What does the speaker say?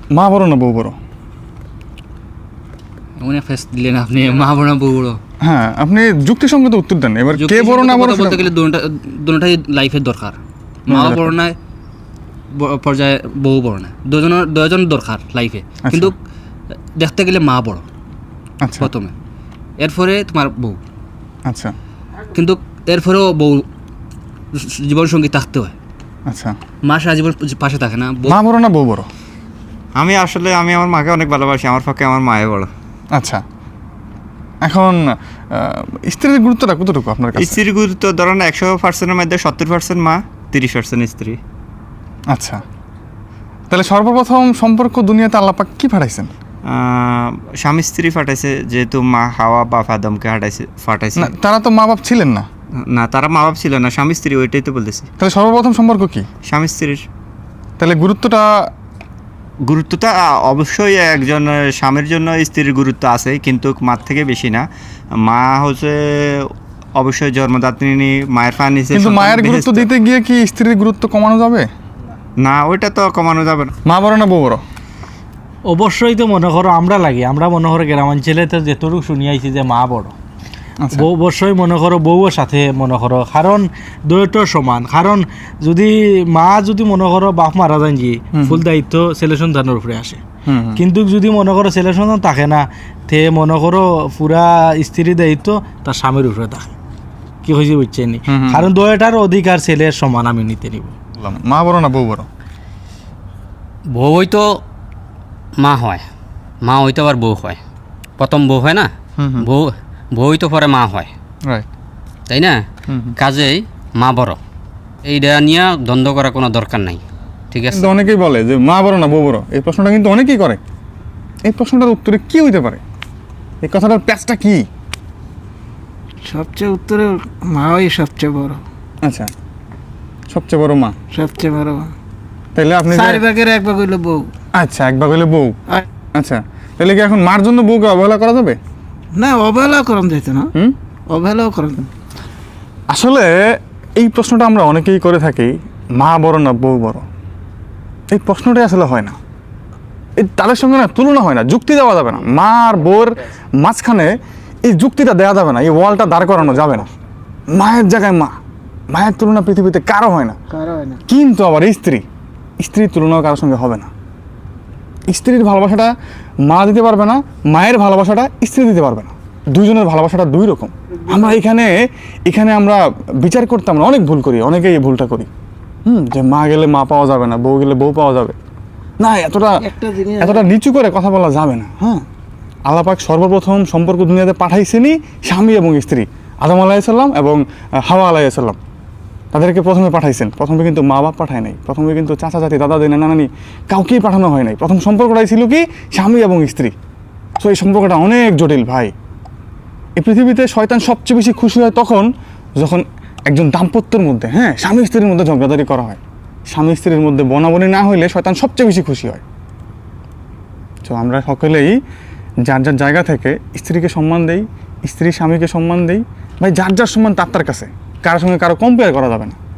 মা বড় না বউ বড়? অনেক ফেস দিলেন আপনি, মা বড় না বউ বড়। হ্যাঁ, আপনি যুক্তিসঙ্গত উত্তর দেন। এবার কে বড় না বড় বলতে গেলে দুটোটাই লাইফের দরকার। মা বড় না পর্যায়ে বউ বড় না, দুজন দরকার লাইফে, কিন্তু দেখতে গেলে মা বড় প্রথমে, এরপরে তোমার বউ। আচ্ছা, কিন্তু এরপরেও বউ জীবন সঙ্গী থাকতে হয়। আচ্ছা, মা সারা জীবন পাশে থাকে না। মা বড় না বউ বড়? আমি আমার মাকে অনেক ভালোবাসি, আমার পক্ষে আমার মায়ে বড়। আচ্ছা, এখন স্ত্রীর গুরুত্বটা কতটুকু আপনার কাছে? স্ত্রীর গুরুত্ব ধরেন 100%-এর মধ্যে 70% মা, 30% স্ত্রী। আচ্ছা, তাহলে সর্বপ্রথম সম্পর্ক দুনিয়াতে আল্লাহ পাক কি পাঠাইছেন? স্বামী স্ত্রী ফাটাইছে, যেহেতু মা হাওয়া বা আদমকে ফাটাইছে। না, তারা তো মা বাপ ছিলেন না। না, তারা মা বাপ ছিল না, স্বামী স্ত্রী, ওইটাই তো বলতেছি। তাহলে সর্বপ্রথম সম্পর্ক কি? স্বামী স্ত্রীর। তাহলে গুরুত্বটা অবশ্যই একজন স্বামীর জন্য স্ত্রীর গুরুত্ব আছে, কিন্তু মার থেকে বেশি না। মা হচ্ছে অবশ্যই জন্মদাত্রী, মায়ের পানি। কিন্তু মায়ের গুরুত্ব দিতে গিয়ে কি স্ত্রীর গুরুত্ব কমানো যাবে? না, ওইটা তো কমানো যাবে না। মা বড় না বউ বড়? অবশ্যই তো মনে করো আমরা মনে করো গ্রামাঞ্চলে তো যেটুকু শুনি আইছি যে মা বড়। বউ অবশ্যই মনে করো বউয়ের সাথে মনে করো, কারণ দুইটা সমান। কারণ যদি মা যদি মনে করো বাপ মারা যান, যে ফুল দায়িত্ব ছেলে সন্তানের উপরে আসে। কিন্তু যদি মনে করো ছেলে সন্তান থাকে না, তে মনে করো পুরা স্ত্রীর দায়িত্ব তার স্বামীর উপরে থাকে। কি হয়েছে বুঝছেন নি? কারণ দুইটার অধিকার ছেলের সমান আমি নিতে নিব। মা বড় না বউ বড়? বউ হয়তো মা হয়, মা হয়তো আবার বউ হয়। প্রথম বউ হয় না, বউ হয়তো পরে মা হয়, তাই না? কাজেই মা বড়, এইটা নিয়ে দ্বন্দ্ব করার কোনো দরকার নাই। ঠিক আছে, কিন্তু অনেকেই বলে যে মা বড় না বউ বড়, এই প্রশ্নটা কিন্তু অনেকেই করে। এই প্রশ্নটার উত্তরে কি হইতে পারে? এই কথাটার প্যাচটা কি? সবচেয়ে উত্তরে মাই সবচেয়ে বড়। আচ্ছা, সবচেয়ে বড় মা, সবচেয়ে বড়। তাহলে আপনি 4 ভাগের 1 ভাগ হইলো বউ। আচ্ছা, 1 ভাগ হইলো বউ। আচ্ছা, তাহলে কি এখন মার জন্য বউকে অবহেলা করা যাবে? না, অবহেলাও করেন যেত না, অবহেলাও করেন। আসলে এই প্রশ্নটা আমরা অনেকেই করে থাকি, মা বড় না বউ বড়। এই প্রশ্নটাই আসলে হয় না, এই তাদের সঙ্গে না তুলনা হয় না, যুক্তি দেওয়া যাবে না। মা আর বউর মাঝখানে এই যুক্তিটা দেওয়া যাবে না, এই ওয়ালটা দাঁড় করানো যাবে না। মায়ের জায়গায় মায়ের তুলনা পৃথিবীতে কারো হয় না। কিন্তু আবার স্ত্রীর তুলনাও কারোর সঙ্গে হবে না। স্ত্রীর ভালোবাসাটা মা দিতে পারবে না, মায়ের ভালোবাসাটা স্ত্রী দিতে পারবে না। দুইজনের ভালোবাসাটা দুই রকম। আমরা এখানে আমরা বিচার করতে আমরা অনেক ভুল করি, অনেকেই এই ভুলটা করি। যে মা গেলে মা পাওয়া যাবে না, বউ গেলে বউ পাওয়া যাবে না, এতটা নিচু করে কথা বলা যাবে না। হ্যাঁ, আল্লাহ পাক সর্বপ্রথম সম্পর্ক দুনিয়াতে পাঠাইছেনই স্বামী এবং স্ত্রী, আদম আলাইহিসসালাম এবং হাওয়া আলাইহিসসালাম। তাদেরকে প্রথমে পাঠাইছেন। প্রথমে কিন্তু মা বাপ পাঠায় নাই, প্রথমে কিন্তু চাচা চাচি দাদা দিনা নানানি কাউকেই পাঠানো হয় নাই। প্রথম সম্পর্কটাই ছিল কি স্বামী এবং স্ত্রী। সো এই সম্পর্কটা অনেক জটিল ভাই। এই পৃথিবীতে শয়তান সবচেয়ে বেশি খুশি হয় তখন যখন একজন দাম্পত্যের মধ্যে, স্বামী স্ত্রীর মধ্যে ঝগড়াঝাড়ি করা হয়। স্বামী স্ত্রীর মধ্যে বনাবনি না হইলে শয়তান সবচেয়ে বেশি খুশি হয়। তো আমরা সকলেই যার যার জায়গা থেকে স্ত্রীকে সম্মান দেই, স্ত্রী স্বামীকে সম্মান দেই। ভাই, যার যার সম্মান তার কাছে, কারোর সঙ্গে কারো কম্পেয়ার করা যাবে না।